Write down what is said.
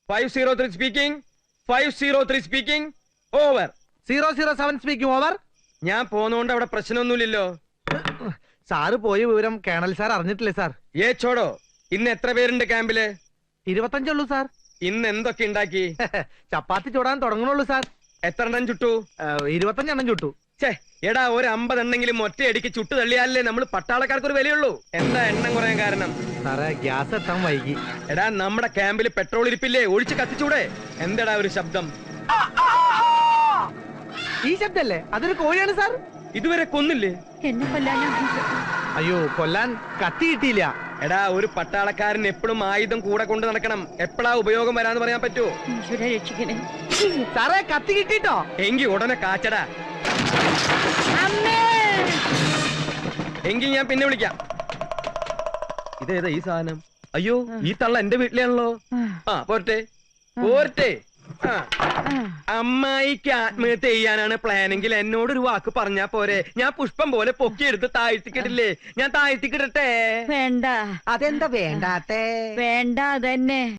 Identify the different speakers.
Speaker 1: 503 speaking 503 speaking over
Speaker 2: 007 speaking over.
Speaker 1: ഞാൻ പോന്നോണ്ട് അവിടെ പ്രശ്നമൊന്നുമില്ലല്ലോ.
Speaker 2: സാറ് പോയ വിവരം കേണൽ സാർ അറിഞ്ഞിട്ടില്ലേ സാർ?
Speaker 1: ചോടോ, ഇന്ന് എത്ര പേരുണ്ട് ക്യാമ്പില്?
Speaker 2: 25 ഉള്ളൂ സാർ.
Speaker 1: ഇന്ന് എന്തൊക്കെ ഉണ്ടാക്കി?
Speaker 2: ചപ്പാത്തി ചൂടാൻ തുടങ്ങണുള്ളൂ സാർ.
Speaker 1: എത്ര എണ്ണം ചുട്ടു?
Speaker 2: 25 എണ്ണം ചുട്ടു.
Speaker 1: എടാ, ഒരു 50 എണ്ണെങ്കിലും ഒറ്റയടിക്ക് ചുട്ടു തള്ളിയാലേ നമ്മൾ പട്ടാളക്കാർക്ക് ഒരു വിലയുള്ളൂ. എന്താ എണ്ണം കുറയാൻ കാരണം?
Speaker 2: സാറേ, ഗ്യാസ് എത്താൻ വൈകി.
Speaker 1: എടാ, നമ്മുടെ ക്യാമ്പിൽ പെട്രോൾ ഇരിപ്പില്ലേ? ഒഴിച്ച് കത്തിച്ചൂടെ? എന്താടാ ഒരു ശബ്ദം?
Speaker 2: ഈ ശബ്ദല്ലേ? അതൊരു കോഴിയാണ് സാർ.
Speaker 1: ഇതുവരെ കൊന്നില്ലേ?
Speaker 3: എന്നെ കൊല്ലാനാ?
Speaker 2: അയ്യോ, കൊല്ലാൻ കത്തി കിട്ടിയില്ല.
Speaker 1: എടാ, ഒരു പട്ടാളക്കാരൻ എപ്പോഴും ആയുധം കൂടെ കൊണ്ട് നടക്കണം. എപ്പോഴാ ഉപയോഗം വരാന്ന് പറയാൻ പറ്റുമോ?
Speaker 3: ഈശ്വര രക്ഷിക്കണേ.
Speaker 2: സാറേ, കത്തി കിട്ടിട്ടോ?
Speaker 1: എങ്കി ഉടനെ കാച്ചടാ. എങ്കി ഞാൻ പിന്നെ വിളിക്കാം. ഇതേതാ ഈ സാധനം? അയ്യോ, ഈ തള്ള എന്റെ വീട്ടിലാണല്ലോ. പോരട്ടെ പോരട്ടെ. അമ്മായിക്ക് ആത്മഹത്യ ചെയ്യാനാണ് പ്ലാനെങ്കിൽ എന്നോടൊരു വാക്ക് പറഞ്ഞാ പോരെ? ഞാൻ പുഷ്പം പോലെ പൊക്കിയെടുത്ത് താഴ്ത്തിക്കിടില്ലേ? ഞാൻ താഴ്ത്തിക്കിടട്ടെ?
Speaker 3: വേണ്ട.
Speaker 2: അതെന്താ വേണ്ടാത്തേ?
Speaker 3: വേണ്ട, അതന്നെ.